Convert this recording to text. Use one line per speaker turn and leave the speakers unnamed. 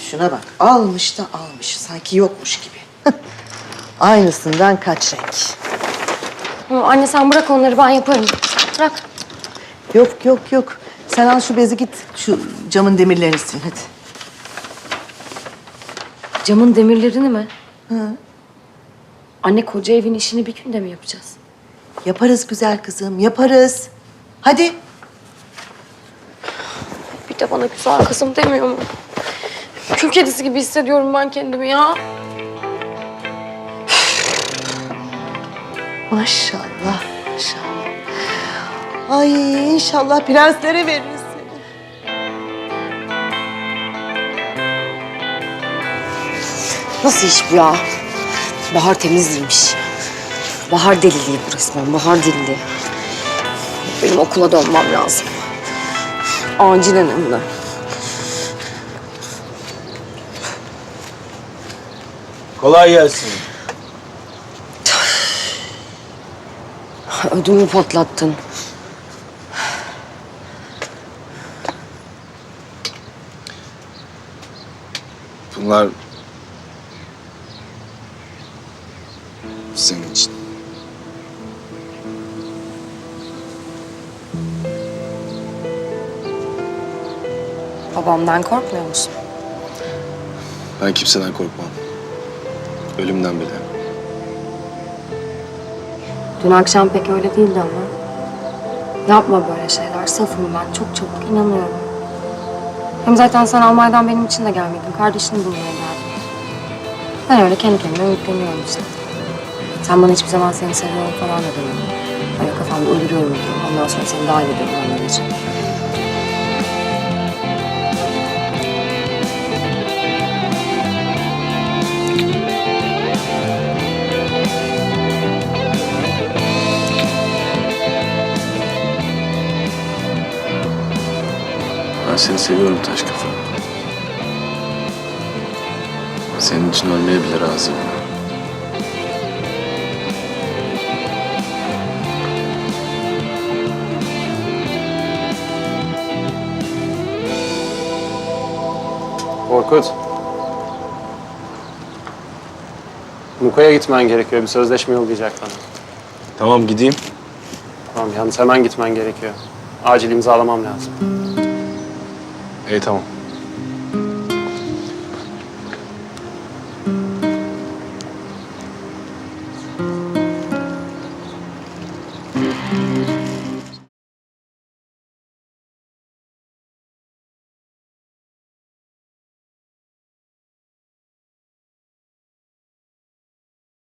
Şuna bak, almış da almış. Sanki yokmuş gibi. Aynısından kaç renk.
Anne sen bırak onları, ben yaparım. Bırak.
Yok, yok, yok. Sen al şu bezi git, şu camın demirlerini sil hadi.
Camın demirlerini mi? Hı. Anne koca evin işini bir günde mi yapacağız?
Yaparız güzel kızım, yaparız. Hadi.
Bir de bana güzel kızım demiyor mu? Kül kedisi gibi hissediyorum ben kendimi ya.
Maşallah, maşallah. Ay inşallah prenslere veririz seni.
Nasıl iş bu ya? Bahar temizliğiymiş. Bahar deliliği bu resmen, bahar deliliği. Benim okula dönmem lazım. Acilen hem de.
Kolay gelsin.
Ödümü patlattın.
Bunlar senin için.
Babamdan korkmuyor musun?
Ben kimseden korkmam. Ölümden bile.
Dün akşam pek öyle değildi ama. Yapma böyle şeyler. Safım ben. Çok çabuk inanıyorum. Hem zaten sen Almanya'dan benim için de gelmedin. Kardeşini bulmaya geldin. Ben öyle kendi kendime ümitleniyorum işte. Sen bana hiçbir zaman seni seviyorum falan da demiyorum. Böyle kafamda uyduruyorum diyorum. Ondan sonra seni dahil ediyorum onların için.
Ben seni seviyorum taş kafa. Senin için ölmeye bile razıyım.
Korkut. Muka'ya gitmen gerekiyor. Bir sözleşme yollayacak bana.
Tamam gideyim.
Tamam, yalnız hemen gitmen gerekiyor. Acil imzalamam lazım.
İyi tamam.